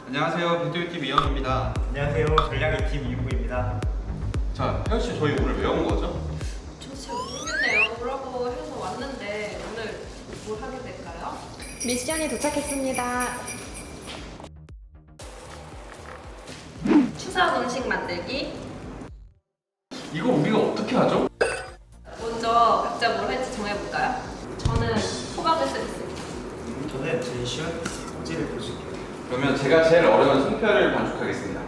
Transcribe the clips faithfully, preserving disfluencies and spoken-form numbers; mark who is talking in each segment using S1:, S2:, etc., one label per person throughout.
S1: 안녕하세요, 비디오팀 이현우입니다.
S2: 안녕하세요, 전략이팀 이우구입니다.
S1: 자, 혜연씨 저희 오늘 왜 온 거죠?
S3: 저도 잘 모르겠네요. 뭐라고 해서 왔는데 오늘 뭘 하게 될까요?
S4: 미션이 도착했습니다.
S3: 추석 음식 만들기.
S1: 이거 우리가 어떻게 하죠?
S3: 먼저 각자 뭘 할지 정해볼까요? 저는 호박을 쓰겠습니다.
S2: 저는 제일 쉬운 꼬지를 보실게요.
S1: 그러면 제가 제일 어려운 송편을 반죽하겠습니다.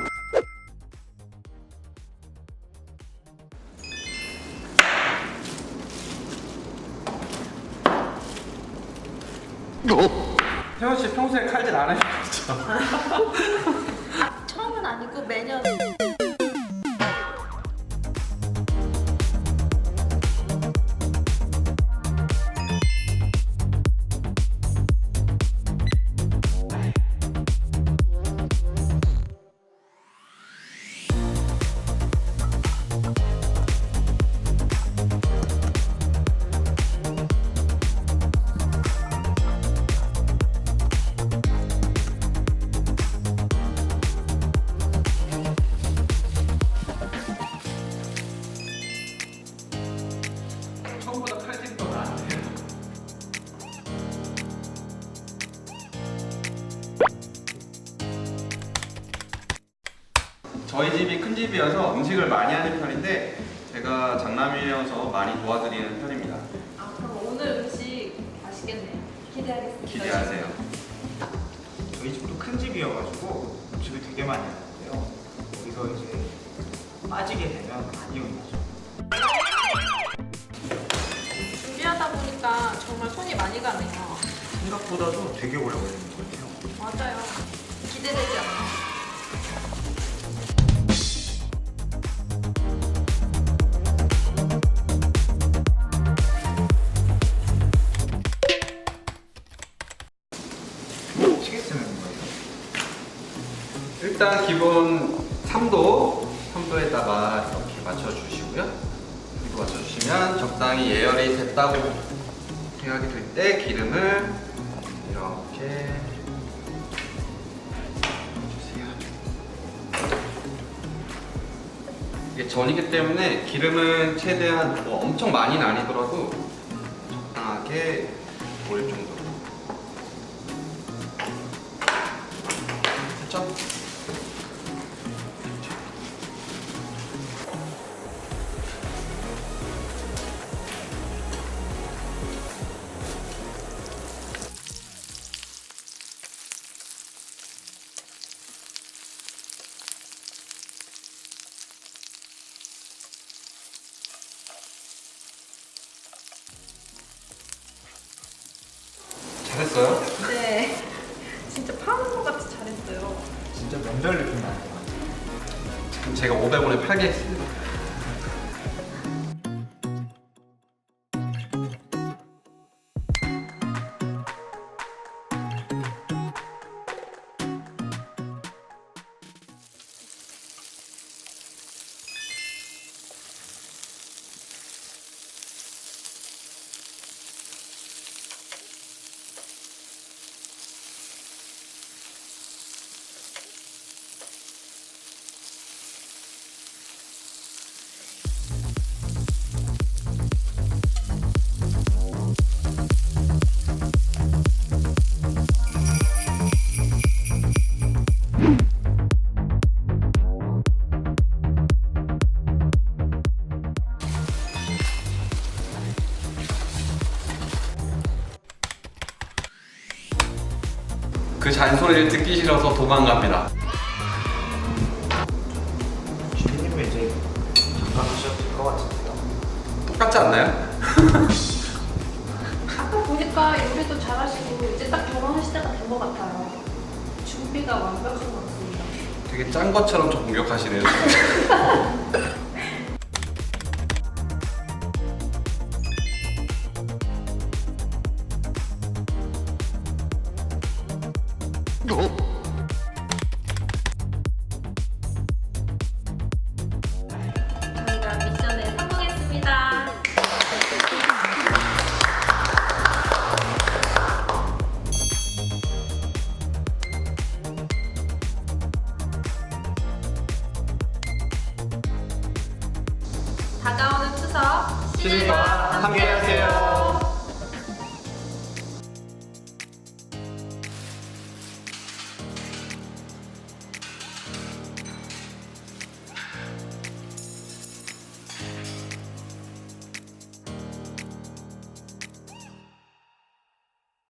S1: 혜연씨 평소에 칼질 안 하시죠?
S3: 아, 처음은 아니고 매년.
S1: 처음보다 칼질이 더 나은데요? 저희 집이 큰 집이어서 음식을 많이 하는 편인데 제가 장남이어서 많이 도와드리는 편입니다.
S3: 아, 그럼 오늘 음식 맛있겠네요. 기대하겠습니다.
S1: 기대하세요.
S2: 저희 집도 큰 집이어가지고 음식을 되게 많이 하는데요. 여기서 이제 빠지게 되면 많이 혼나죠.
S3: 준비하다 보니까 정말 손이 많이 가네요.
S2: 생각보다도 되게 오래 걸리는 것 같아요.
S3: 맞아요. 기대되지 않아요?
S2: 시계 쓰는 거예요.
S1: 일단 기본 삼 도, 삼 도에다가 이렇게 맞춰주시고요. 이렇게 맞춰주시면 적당히 예열이 됐다고 생각이 들 때 기름을 이렇게 주세요. 이게 전이기 때문에 기름은 최대한 뭐 엄청 많이는 아니더라도 적당하게 보일 정도로. 됐죠? 잘했어요?
S3: 네. 진짜 파는 것 같이 잘했어요.
S2: 진짜 명절 느낌 나는 것 같아요.
S1: 지금 제가 오백 원에 팔게 했습니다. 그 잔소리를 듣기 싫어서 도망갑니다.
S2: 주민님은 이제 잠깐 하셔도 될 것 같은데요.
S1: 똑같지 않나요?
S3: 아까 보니까 요리도 잘하시고 이제 딱 결혼하실 때가 된 것 같아요. 준비가 완벽한 것 같습니다.
S1: 되게 짠 것처럼 저 공격하시네요.
S3: 저희가 미션에 성공했습니다. 다가오는 추석
S1: 시민과 함께하세요.